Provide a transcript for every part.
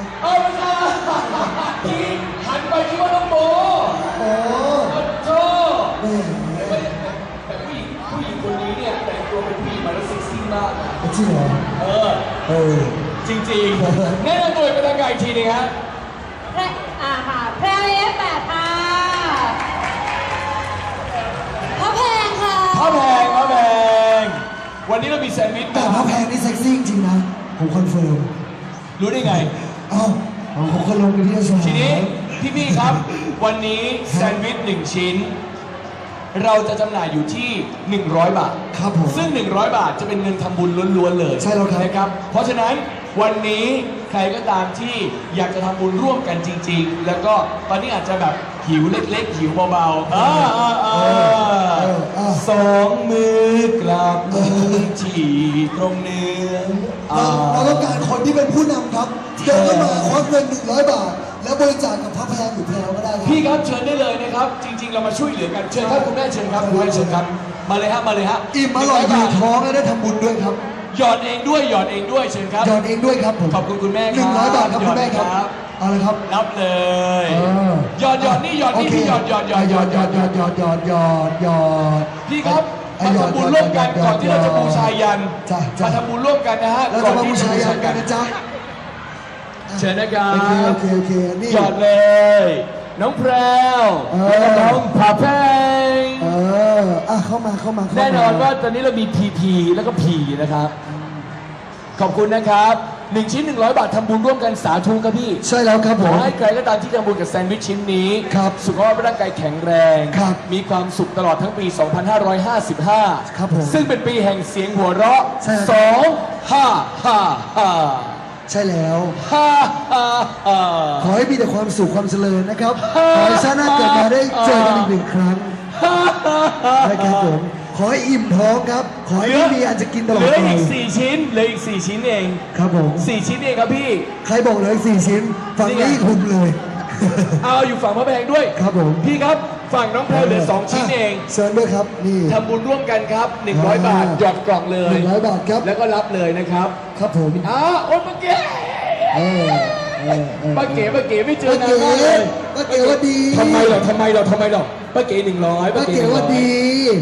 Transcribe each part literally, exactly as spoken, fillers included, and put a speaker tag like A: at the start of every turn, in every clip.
A: เอาไม่ใช่ที่หันไปคิดว่าน้องโบ
B: โอ้
A: โจ้แต่ผู้หญิงผู้หญิงคนนี้เนี่ยแต่งตัวเป็นผู้หญิงมาแล้วเซ็กซี่มาก
B: จริงเหรอ
A: เออ
B: เออ
A: จริงๆแนะนำตัวเป็นทางการอีกทีนึงครับ
C: แพรอ่าค่ะแพรเอฟแปดค่ะพระแพงค่ะ
A: พระแพงพระแพงวันนี้เรามีแซนด์วิช
B: แต่พระแพงนี่เซ็กซี่จริงนะผมคอนเฟิร์ม
A: รู้ได้ไง
B: อ้าวผมก็ลงไปที่สนาม
A: ทีนี้พี่ๆครับวันนี้แซนด์วิชหนึ่งชิ้นเราจะจำหน่ายอยู่ที่หนึ่งร้อยบาท
B: ครับผม
A: ซึ่งหนึ่งร้อยบาทจะเป็นเงินทำบุญล้วนๆเลย
B: ใช่แล้วครับ
A: นะครับเพราะฉะนั้นวันนี้ใครก็ตามที่อยากจะทำบุญร่วมกันจริงๆแล้วก็ตอนนี้อาจจะแบบหิวเล็กๆหิวเบาๆอ่าสองมือกราบมือที่ตรงเนื้อ
B: เราต้องการคนที่เป็นผู้นำครับเดินเข้ามาควักเงินหนึ่งร้อยบาทแล้วบริจาคกับพระแพงหรือแพรวก็ได้ครับ
A: พี่ครับเชิญได้เลยนะครับจริงๆเรามาช่วยเหลือกันเชิญครับคุณแม่เชิญครับคุณแม่เชิญครับมาเลยฮะมาเลยฮะ
B: อิ่มอร่อยอยู่ท้องและได้ทำบุญด้วยครับ
A: หยอดเองด้วยหยอดเองด้วยเชิญครับ
B: หยอดเองด้วยครับผม
A: ขอบคุณคุณแม่ครับ
B: หนึ่งร้อยบาทครับคุณแม่ครับเอาเลยครับ
A: รับเลยหยอดหยอดนี่หยอดนี่พี่หยอดหยอดหยอดหยอดหยอดหยอดหยอดหยอดหยอดหยอดพี่ครับมาทำบุญร่วมกันก่อนที่เราจะบูชายันมาทำบุญร่วมกันนะฮะ
B: เราจะมาบูชายันกันนะจ๊ะ
A: เชิญนะครับ
B: โอเคโอเคนี่
A: หยอดเลยน้องแพรวแล้วก็น้องผาแพง
B: เอออ่ะเข้ามาเข้ามา
A: แน่นอนว่าตอนนี้เรามี พี พี แล้วก็ พี นะครับขอบคุณนะครับหนึ่งชิ้นหนึ่งร้อยบาททำบุญร่วมกันสาธุครับพี่
B: ใช่แล้วครับผม
A: ขอให้ใครก็ตามที่ทำบุญกับแซนด์วิชชิ้นนี้
B: ครับ
A: สุขภาพร่างกายแข็งแรง
B: ครับ
A: มีความสุขตลอดทั้งปี สองพันห้าร้อยห้าสิบห้า
B: ครับผม
A: ซึ่งเป็นปีแห่งเสียงหัวเราะสองห้าห้าห้า
B: ใช่แล้ว
A: ฮ่าฮ่าฮ่า
B: ขอให้มีแต่ความสุขความเจริญนะครับขอให้ชาติหน้าเกิดมาได้เจอกันอีกหนึ่งครั้งนะครับผมขอให้อิ่มท้องครับขอให้ไม่มีอันจะกินตลอดไป
A: เหลืออีกสี่ชิ้นเหลืออีกสี่ชิ้นเอง
B: ครับผม
A: สี่ชิ้นเองครับพี่
B: ใครบอกเหลืออีกสี่ชิ้นฝั่งนี้คุณเลย
A: เอาอยู่ฝั่งพระแพงด้วย
B: ครับผม
A: พี่ครับฝั่งน้องแพรเหลือสองชิ้นเอง
B: เชิญด้วยครับนี่
A: ทำบุญร่วมกันครับหนึ่งร้อยบาทหยอดกล่องเลย
B: หนึ่งร้อยบาทครับ
A: แล้วก็รับเลยนะครับ
B: ครับผม
A: อ้าโอ๊ยป้าเก๋ป้าเก๋ป้าเก๋ไม่เจอนานมากเลย
B: ป้าเก๋ว่าดี
A: ทำไมหรอทำไมหรอทำไมหรอป้าเก๋หนึ่งร้อย
B: ป้าเก๋ว่าดี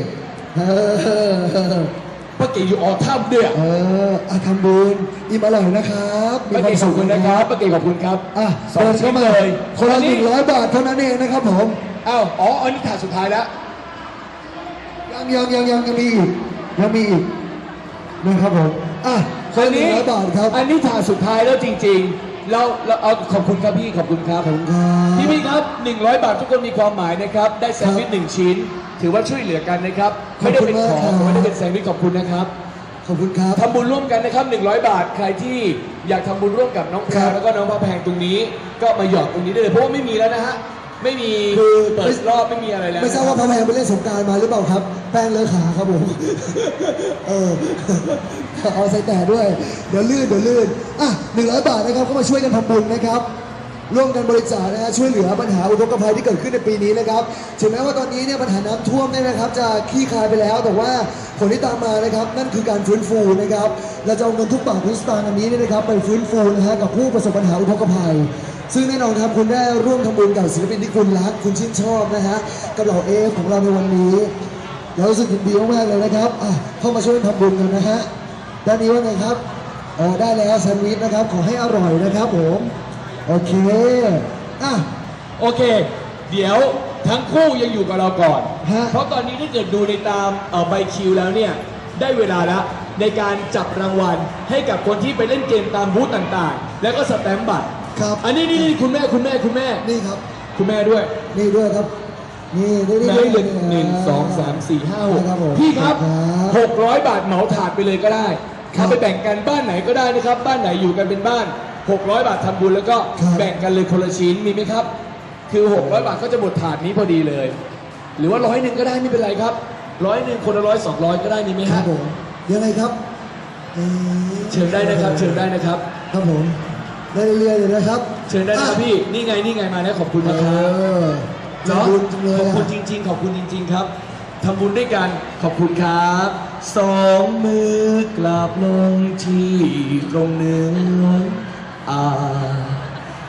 A: ป้าเก๋อยู่ออท่ามด้วย
B: เอออาทำบุญอิ่มอร่อยนะครับ
A: ป้าเก๋ขอบคุณนะครับป้าเก๋ขอบคุณครับ
B: อ่ะเดินเข้ามาเลยคนละหนึ่งร้อยบาทเท่านั้นเองนะครับผม
A: อ้าวอ๋ออันนี้ถาดสุดท้ายแล้ว
B: ยังยังยังยังยังมีอีกยังมีอีกนะครับผมอ่ะ
A: คนละหนึ่งร้อยบาทครับอันนี้ถาดสุดท้ายแล้วจริงๆเราเราเอาขอบคุณครับพี่ขอบคุณครับพี่พี่ครับหนึ่งร้อยบาททุกคนมีความหมายนะครับได้แซนด์วิชหนึ่งชิ้นถือว่าช่วยเหลือกันนะครับไม่ได้เป็นของไม่ได้เป็นแซนด์วิชขอบคุณนะครับ
B: ขอบคุณครับ
A: ทำบุญร่วมกันนะครับหนึ่งร้อยบาทใครที่อยากทำบุญร่วมกับน้องแพรแล้วก็น้องพระแพงตรงนี้ก็มาหยอดตรงนี้ได้เลยเพราะว่าไม่มีแล้วนะฮะไม่มีคือเปิดรอบไม่มีอะไรแล้ว
B: ไม่ทราบว่าพระแพงไปเล่นสงกรานต์มาหรือเปล่าครับแป้งเลอะขาครับผมเออเอาใส่แต่ด้วยเดี๋ยวลื่นเดี๋ยวลื่นอ่ะหนึ่งร้อยบาทนะครับก็มาช่วยกันทำบุญนะครับร่วมกันบริจาคนะฮะช่วยเหลือปัญหาอุทกภัยที่เกิดขึ้นในปีนี้นะครับถึงแม้ว่าตอนนี้เนี่ยปัญหาน้ำท่วมเนี่ยนะครับจะคลี่คลายไปแล้วแต่ว่าผลที่ตามมานะครับนั่นคือการฟื้นฟูนะครับเราจะเอาเงินทุกบาททุกสตางค์อันนี้เนี่ยนะครับไปฟื้นฟูนะฮะกับผู้ประสบปัญหาอุทกภัยซึ่งแน่นอนครับคุณได้ร่วมทำบุญกับศิลปินที่คุณรักคุณชื่นชอบนะฮะกับเหล่าเอฟของเราในวันนี้เรารู้สึกดีมากๆเลยนะครับอ่ะเข้ามาช่วยทำบุญกันนะฮะด้านนี้ว่าไงครับอ๋อได้แล้วแซนด์วิชนะครับขอให้อร่อยนะครับผมโอเคอ่ะ
A: โอเคเดี๋ยวทั้งคู่ยังอยู่กับเราก่อนเพราะตอนนี้ถ้าเกิดดูในตามใบคิวแล้วเนี่ยได้เวลาแล้วในการจับรางวัลให้กับคนที่ไปเล่นเกมตามบูธต่างๆแล้วก็สแตมป์บัตร
B: ครับ
A: อันนี้นี่คุณแม่คุณแม่คุณแม่
B: นี่ครับ
A: คุณแม่ด้วย
B: นี่ด้วยครับนี่นี่นี่
A: หนึ่งหนึ่งสองสามสี่ห้าหกพี่ครับหกร้อยบาทเหมาถาดไปเลยก็ได้เอาไปแบ่งกันบ้านไหนก็ได้นะครับบ้านไหนอยู่กันเป็นบ้านหกร้อยบาททำบุญแล้วก็แบ่งกันเลยคนละชิ้นมีไหมครับคือหกร้อยบาทก็จะหมดถาดนี้พอดีเลยหรือว่าร้อยหนึ่งก็ได้ไม่เป็นไรครับร้อยหนึ่งคนละร้อยสองร้อยก็ได้มีไหมครับ
B: ผมยังไงครับ
A: เชิญได้นะครับเชิญได้นะครับ
B: ครับผมได้เรื่อยๆเลยนะครับ
A: เชิญได้นะครับพี่นี่ไงนี่ไงมาแล้วขอบคุณนะครับ
B: เนาะ
A: ขอบคุณจริงๆขอบคุณจริงๆครับทำบุญด้วยกันขอบคุณครับสองมือกราบลงที่ตรงเนื้ออ่า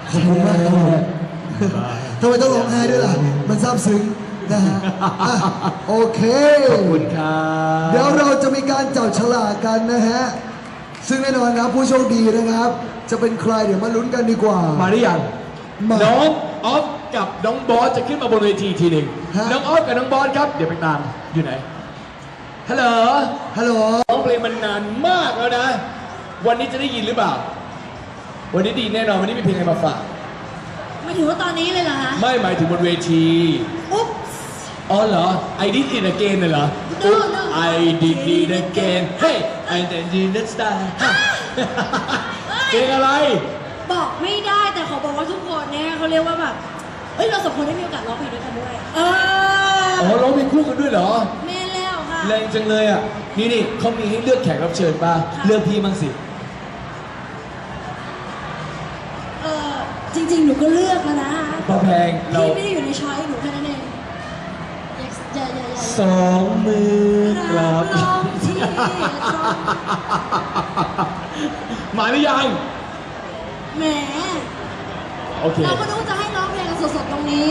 B: ขอบคุณมากครับผมทำไมต้องร้องไห้ด้วยล่ะ มันซาบซึ้งนะฮะอ่ะโอเค
A: ขอบคุณครับ
B: เดี๋ยวเราจะมีการจับฉลากกันนะฮะ ซึ่งแน่นอนครับผู้โชคดีนะครับ จะเป็นใครเดี๋ยวมาลุ้นกันดีกว่า
A: มาหรือยัง
B: มา
A: น้องออฟกับน้องบอสจะขึ้นมาบนเวทีทีหนึ่ง
B: ฮะ
A: น้องออฟกับน้องบอสครับ เดี๋ยวไปตามอยู่ไหน ฮัลโหล
B: ฮัลโหล
A: ร้องเพลงมันนานมากแล้วนะ วันนี้จะได้ยินหรือเปล่า วันนี้ดีแน่นอน วันนี้มีเพลงอะไรมาฝาก
C: ไม่ถือว่าตอนนี้เลยเหรอคะ
A: ไม่หมายถึงบนเวที
C: อุ๊บ
A: อ๋อเหรอ I did it again น่ะเหรอ
C: No, no.
A: I did it again Hey I did it style เพลงอะไร
C: บอกไม่ได้แต่ขอบอกว่าทุกคนเนี่ยเขาเรียกว่าแบบเอ้ยเราสองคนได้มีโอกาสร้องเพลงด้วยกันด้วย เออ
A: อ๋อร้องเพลงคู่กันด้วยเหรอ
C: แม่แล้วค่ะ
A: แรงจังเลยอ่ะ นี่นี่เขามีให้เลือกแขกรับเชิญป่ะ
C: ค่ะ
A: เลือกพี่บ้างสิ
C: เออจริงๆ หนูก็เลือกแล้วนะ
A: พอแพงเรา
C: พี่ไม่ได้อยู่ในช้อยหนูแค่นั้นเองอย่าอย่าอย่าอย่า
A: สองมือกลับ
C: ร้องที่ร้อง
A: มาหรือยัง
C: แหม
A: โอเค
C: เราก็นึกว่าจะให้ร้องเพลงกันสดๆตรงนี้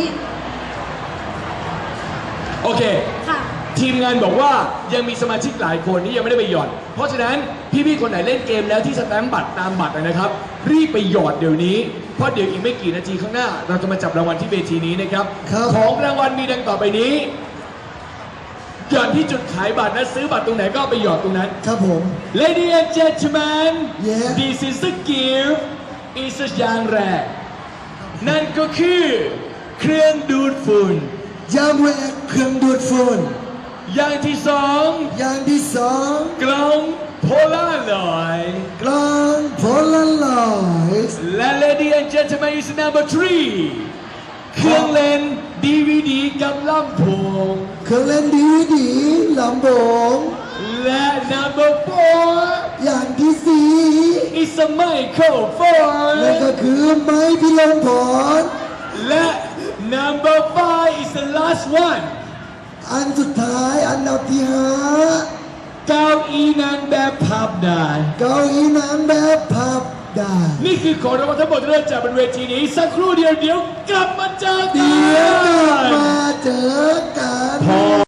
A: โอเค
C: ค่ะ
A: ทีมงานบอกว่ายังมีสมาชิกหลายคนที่ยังไม่ได้ไปหยอด เพราะฉะนั้นพี่ๆคนไหนเล่นเกมแล้วที่สแตมป์บัตรตามบัตรนะครับ รีบไปหยอดเดี๋ยวนี้ เพราะเดี๋ยวอีกไม่กี่นาทีข้างหน้า เราจะมาจับรางวัลที่เวทีนี้นะครับ
B: ครับ
A: ของรางวัลมีดังต่อไปนี้ หยอดที่จุดขายบัตรนะซื้อบัตรตรงไหนก็เอาไปหยอดตรงนั้น
B: ครับผม
A: Ladies and gentlemen
B: Yeah.
A: this is a gift is a อย่างแรก นั่นก็คือเครื่องดูดฝุ่น
B: ยามแรกเครื่องดูดฝุ่น
A: อย่างที่สอง
B: อย่างที่สอง
A: กล้องโพลาร์อยด์
B: กลางโพลารอยด์
A: และ Ladies and gentlemen is number three เครื่องเล่น ดี วี ดี กับลำโพง
B: เครื่องเล่นดีวีดีลำโพง
A: และ number four
B: อย่างที่สี่
A: is a microphone
B: นั่นก็คือไม้พิลมพร
A: และ number five is the last one
B: อันสุดท้ายอันดับที่ห้า
A: เก้าอี้นั้นแบบพับได้
B: เก้าอี้น้ำแบบพับได้
A: นี่คือของรางวัลทั้งหมดที่เราจัดบนเวทีนี้ สักครู่เดียวเดี๋ยวกลับมาเจอกั
B: เดี๋ยวกลับ
A: น
B: มาเจอกัน
A: พอ